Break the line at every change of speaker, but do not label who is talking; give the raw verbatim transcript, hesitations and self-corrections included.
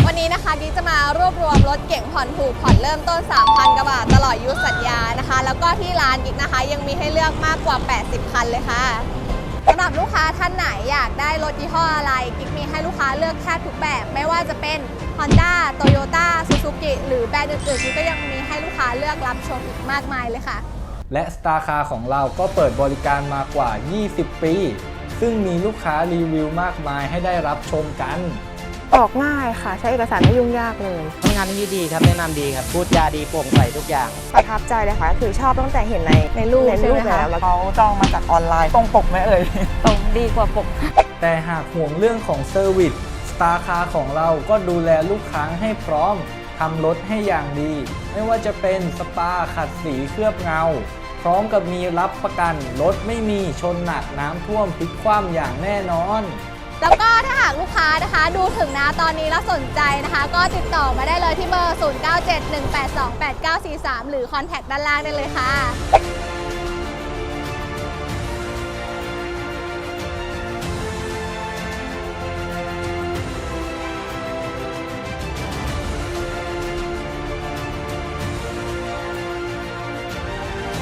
วันนี้นะคะกิ๊กจะมารวบรวมรถเก๋งผ่อนถูกผ่อนเริ่มต้น สามพัน กว่าบาทตลอดอายุสัญญานะคะแล้วก็ที่ร้านกิ๊กนะคะยังมีให้เลือกมากกว่าแปดสิบคันเลยค่ะสำหรับลูกค้าท่านไหนอยากได้รถยี่ห้ออะไรกิ๊กมีให้ลูกค้าเลือกแทบทุกแบบไม่ว่าจะเป็น Honda Toyota Suzuki หรือแบรนด์อื่นๆกิ๊กก็ยังมีให้ลูกค้าเลือกรับชมอีกมากมายเลยค่ะ
และ Star Car ของเราก็เปิดบริการมากว่า ยี่สิบ ปีซึ่งมีลูกค้ารีวิวมากมายให้ได้รับชมกัน
ออกง่ายค่ะใช้เอกสารไม่ยุ่งยากเลย
ทำงานที่ดีครับแนะนำดีครับพูดจาดีโปร่งใสทุกอย่าง
ประทับใจเลยค่ะคือชอบตั้งแต่เห็นในในรูป
ในรูปแล้วแล้วเขาจองมาจากออนไลน์ตรงปกไหมเอ่ย
ตรงดีกว่าปก
แต่หากห่วงเรื่องของเซอร์วิส Star Car ของเราก็ดูแลลูกค้าให้พร้อมทำรถให้อย่างดีไม่ว่าจะเป็นสปาขัดสีเคลือบเงาพร้อมกับมีรับประกันรถไม่มีชนหนักน้ำท่วมพลิกคว่ำอย่างแน่นอน
แล้วก็ถ้าหากลูกค้านะคะดูถึงนะตอนนี้แล้วสนใจนะคะก็ติดต่อมาได้เลยที่เบอร์ ศูนย์ เก้า เจ็ด หนึ่ง แปด สอง แปด เก้า สี่ สาม หรือคอนแทคด้านล่างได้เลยค่ะ